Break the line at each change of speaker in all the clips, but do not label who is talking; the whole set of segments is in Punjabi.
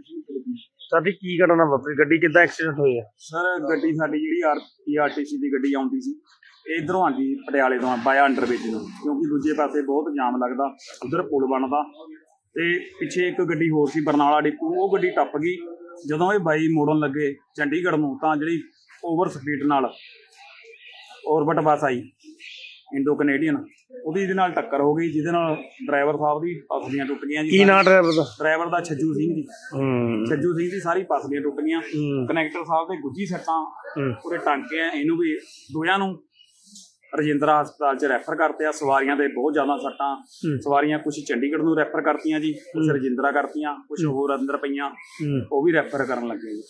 ਸਾਡੀ ਕੀ ਘਟਨਾ ਵਾਪਰੀ? ਗੱਡੀ ਕਿੱਦਾਂ ਐਕਸੀਡੈਂਟ ਹੋਇਆ?
ਸਰ ਗੱਡੀ ਸਾਡੀ ਜਿਹੜੀ ਪੀਆਰਟੀਸੀ ਦੀ ਗੱਡੀ ਆਉਂਦੀ ਸੀ, ਇਧਰੋਂ ਆਉਂਦੀ ਪਟਿਆਲੇ ਤੋਂ ਬਾਇਆ ਅੰਡਰਬ੍ਰਿਜ ਨੂੰ, ਕਿਉਂਕਿ ਦੂਜੇ ਪਾਸੇ ਬਹੁਤ ਜਾਮ ਲੱਗਦਾ, ਉਧਰ ਪੁਲ ਬਣਦਾ ਤੇ ਪਿੱਛੇ ਇੱਕ ਗੱਡੀ ਹੋਰ ਸੀ ਬਰਨਾਲਾ ਡਿਪੂ, ਉਹ ਗੱਡੀ ਟੱਪ ਗਈ। ਜਦੋਂ ਇਹ ਬਾਈ ਮੋੜਨ ਲੱਗੇ ਚੰਡੀਗੜ੍ਹ ਨੂੰ ਤਾਂ ਜਿਹੜੀ ਓਵਰ ਸਪੀਡ ਨਾਲ ਔਰਬਿਟ ਬੱਸ ਆਈ ਇੰਡੋ ਕੈਨੇਡੀਅਨ, ਉਹਦੀ ਇਹਦੇ ਨਾਲ ਟੱਕਰ ਹੋ ਗਈ, ਜਿਹਦੇ ਨਾਲ ਡਰਾਈਵਰ ਸਾਹਿਬ ਦੀ ਪਸਲੀਆਂ ਟੁੱਟ ਗਈਆਂ ਜੀ।
ਕੀ ਨਾਂ ਡਰਾਈਵਰ ਦਾ?
ਡਰਾਈਵਰ ਦਾ ਛੱਜੂ ਸਿੰਘ ਜੀ। ਛੱਜੂ ਸਿੰਘ ਦੀ ਸਾਰੀ ਪਸਲੀਆਂ ਟੁੱਟ ਗਈਆਂ। ਕਨੈਕਟਰ ਸਾਹਿਬ ਦੇ ਗੁੱਜੀ ਸੱਟਾਂ, ਪੂਰੇ ਟਾਂਕੇ ਆ, ਇਹਨੂੰ ਵੀ ਦੋਹਾਂ ਨੂੰ ਰਜਿੰਦਰਾ ਹਸਪਤਾਲ 'ਚ ਰੈਫਰ ਕਰਤੇ ਆ। ਸਵਾਰੀਆਂ ਦੇ ਬਹੁਤ ਜ਼ਿਆਦਾ ਸੱਟਾਂ, ਸਵਾਰੀਆਂ ਕੁਝ ਚੰਡੀਗੜ੍ਹ ਨੂੰ ਰੈਫਰ ਕਰਤੀਆਂ ਜੀ, ਕੁਝ ਰਜਿੰਦਰਾ ਕਰਤੀਆਂ, ਕੁਝ ਹੋਰ ਅੰਦਰ ਪਈਆਂ, ਉਹ ਵੀ ਰੈਫਰ ਕਰਨ ਲੱਗੇ ਜੀ।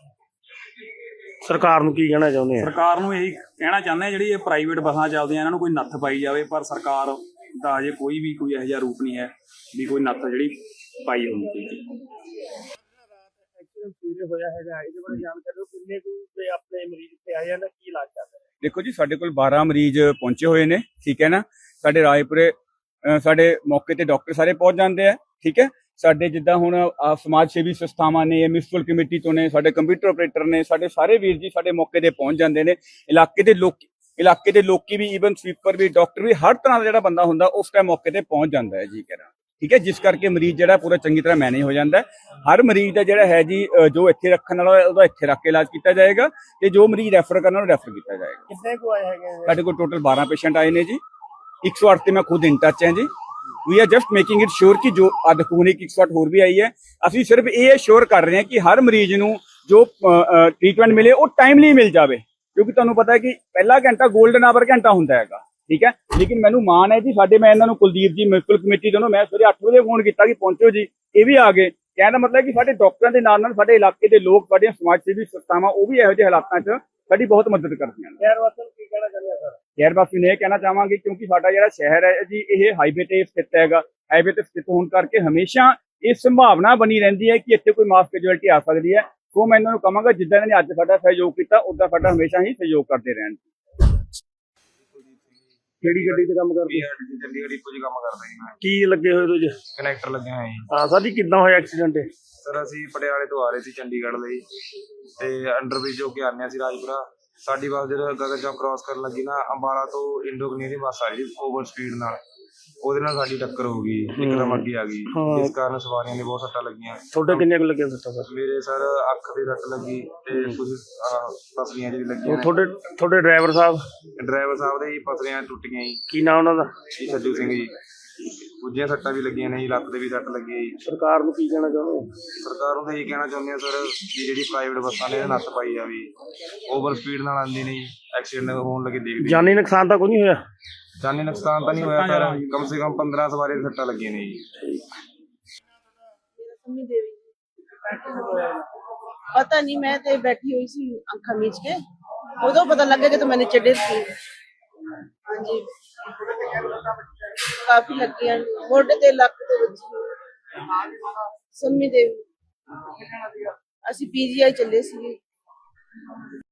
ਸਰਕਾਰ ਨੂੰ ਕੀ ਕਹਿਣਾ ਚਾਹੁੰਦੇ ਆ?
ਸਰਕਾਰ ਨੂੰ ਇਹੀ ਕਹਿਣਾ ਚਾਹੁੰਦੇ ਆ, ਜਿਹੜੀ ਇਹ ਪ੍ਰਾਈਵੇਟ ਬੱਸਾਂ ਚੱਲਦੀਆਂ ਇਹਨਾਂ ਨੂੰ ਕੋਈ ਨੱਥ ਪਾਈ ਜਾਵੇ, ਪਰ ਸਰਕਾਰ ਦਾ ਅਜੇ ਕੋਈ ਇਹੋ ਜਿਹਾ ਰੂਪ ਨਹੀਂ ਹੈ ਵੀ ਕੋਈ ਨੱਥ ਜਿਹੜੀ ਪਾਈ ਹੋਣੀ ਚਾਹੀਦੀ।
ਹੋਇਆ ਹੈਗਾ, ਇਹਦੇ ਬਾਰੇ ਜਾਣਕਾਰੀ ਦਿਓ। ਕਿੰਨੇ ਕੁ ਆਪਣੇ ਮਰੀਜ਼ ਇੱਥੇ ਆਏ ਹਨ, ਕੀ ਇਲਾਜ ਚੱਲ ਰਿਹਾ?
देखो जी, साढ़े कोल 12 मरीज पहुंचे हुए ने, ठीक है ना। साढ़े रायपुरे साढ़े मौके ते डॉक्टर सारे पहुंच जाते हैं, ठीक है। साढ़े जिद्दां हुण समाज सेवी संस्थावां ने, म्यूनसिपल कमेटी तो ने, साढ़े कंप्यूटर ऑपरेटर ने, साढ़े सारे वीर जी साढ़े मौके ते पहुंच जाते हैं। इलाके दे लोकी भी, ईवन स्वीपर भी, डॉक्टर भी, हर तरह का जिहड़ा बंदा हुंदा उस टाइम मौके ते पहुंच जाता है जी, कह ठीक है। जिस करके मरीज जिहड़ा पूरा चंगी तरह मैनेज हो जाता है। हर मरीज का जिहड़ा है जी जो इत्थे रखण वाला ओहदा इत्थे रख के इलाज किया जाएगा, ते जो मरीज रैफर करना रैफर किया जाएगा।
कितने को आए हैं?
साढ़े कोल टोटल 12 पेशेंट आए ने जी। 108 ते मैं खुद इन टच है जी। We are just making it sure कि जो अदखून एक 108 होर भी आई है, असीं सिर्फ ये श्योर कर रहे हैं कि हर मरीज नूं जो ट्रीटमेंट मिले वो टाइमली मिल जाए, क्योंकि तुहानूं पता है कि पहला घंटा गोल्डन आवर घंटा हुंदा हैगा, ठीक है। लेकिन मैनू मान है जी, साडे मैं इन्हां नूं कुलदीप जी म्यूनसिपल कमेटी दोनों, मैं सवेरे 8 बजे फोन किया कि पहुंचो जी, ये भी आ गए। कहने का मतलब कि साडे डॉक्टरां दे नाल नाल साडे इलाके दे लोग, साडे समाज सेवी संस्थावां वो भी इहो जिहे हालातां 'च साडी बहुत मदद करदियां ने।
शहर वासियों की कहना चाहते हैं सर?
शहर वासी ने कहना चाहांगे, क्योंकि साडा जिहड़ा शहर है जी ये हाईवे ते स्थित हैगा, हाईवे ते स्थित होने करके हमेशा ये संभावना बनी रहिंदी है कि इत्थे कोई मास कैजुअलिटी आ सकदी है। तो मैं इन्हां नूं कहांगा जिद्दां इन्हां ने अज साडा सहयोग कीता, उद्दां साडा हमेशा ही सहयोग करदे रहण।
ਕਿਹੜੀ ਗੱਡੀ ਤੇ ਕੰਮ ਕਰਦੇ?
ਚੰਡੀਗੜ੍ਹ ਡਿਪੂ 'ਚ ਕੰਮ ਕਰਦਾ ਜੀ ਮੈਂ।
ਕੀ ਲੱਗੇ ਹੋਏ ਤੁਸੀਂ?
ਕਨੈਕਟਰ ਲੱਗਿਆ ਹੋਇਆ ਜੀ।
ਹਾਂ ਸਾਡੀ ਕਿੱਦਾਂ ਹੋਇਆ ਐਕਸੀਡੈਂਟ?
ਸਰ ਅਸੀਂ ਪਟਿਆਲੇ ਤੋਂ ਆ ਰਹੇ ਸੀ ਚੰਡੀਗੜ੍ਹ ਲਈ, ਤੇ ਅੰਡਰਬ੍ਰਿਜ ਹੋ ਕੇ ਆਉਂਦੇ ਸੀ ਰਾਜਪੁਰਾ। ਸਾਡੀ ਬੱਸ ਜਦੋਂ ਗਗਨ ਚੌਕ ਕ੍ਰਾਸ ਕਰਨ ਲੱਗੀ ਨਾ, ਅੰਬਾਲਾ ਤੋਂ ਇੰਡੋ ਕੈਨੇਡੀਅਨ ਬੱਸ ਆ ਰਹੀ ਓਵਰ ਸਪੀਡ ਨਾਲ, ਉਹਦੇ ਨਾਲ ਸਾਡੀ ਟੱਕਰ ਹੋ ਗਈ, ਇੱਕਦਮ ਅੱਗੇ ਆ ਗਈ, ਜਿਸ ਕਾਰਨ ਸਵਾਰੀਆਂ ਨੇ ਬਹੁਤ ਸੱਟਾਂ ਲੱਗੀਆਂ।
ਤੁਹਾਡੇ ਕਿੰਨੇ ਕੁ ਲੱਗੇ ਸੱਟਾਂ ਸਰ?
ਮੇਰੇ ਸਰ ਅੱਖ ਤੇ ਸੱਟ ਲੱਗੀ ਤੇ ਕੁਝ ਪਸਲੀਆਂ ਜਿਹੜੀ ਲੱਗੀਆਂ।
ਤੁਹਾਡੇ ਡਰਾਈਵਰ ਸਾਹਿਬ
ਦੇ ਹੀ ਪਸਲੀਆਂ ਟੁੱਟ ਗਈਆਂ ਜੀ।
ਕੀ ਨਾਂ ਉਹਨਾਂ ਦਾ?
ਛੱਜੂ ਸਿੰਘ ਜੀ। ਦੂਜੀਆਂ ਸੱਟਾਂ ਵੀ ਲੱਗੀਆਂ ਨੇ ਜੀ, ਲੱਤ ਤੇ ਵੀ ਸੱਟ ਲੱਗੀ ਜੀ।
ਸਰਕਾਰ ਨੂੰ ਕੀ ਕਹਿਣਾ ਚਾਹੁੰਦੇ ਹੋ?
ਸਰਕਾਰ ਨੂੰ ਤਾਂ ਇਹ ਕਹਿਣਾ ਚਾਹੁੰਦੇ ਆ ਸਰ ਕਿ ਜਿਹੜੀ ਪ੍ਰਾਈਵੇਟ ਬੱਸਾਂ ਨੇ ਨੱਥ ਪਾਈ ਜਾਵੇ, ਓਵਰ ਸਪੀਡ ਨਾਲ ਆਉਂਦੀ ਨਹੀਂ, ਐਕਸੀਡੈਂਟ ਹੋਣ ਲੱਗੇ ਦੇਖਦੇ।
ਜਾਨੀ ਨੁਕਸਾਨ ਤਾਂ ਕੋਈ ਨਹੀਂ ਹੋਇਆ?
ਜਾਨੀ ਨੁਕਸਾਨ ਤਾਂ ਨਹੀਂ ਹੋਇਆ ਸਰ, ਕਮ ਸੇ ਕਮ 15 ਸਵਾਰੀ ਦੀਆਂ ਸੱਟਾਂ ਲੱਗੀਆਂ ਨੇ ਜੀ।
पता नहीं, मैं तो बैठी हुई सी अखा मीच के, उदो पता लगे कि तो मैंने चढ़े थी। हाँ जी, काफी लगी हैं, मोढे ते लक ते बची। सम्मी देवी, असी पीजीआई चले सी।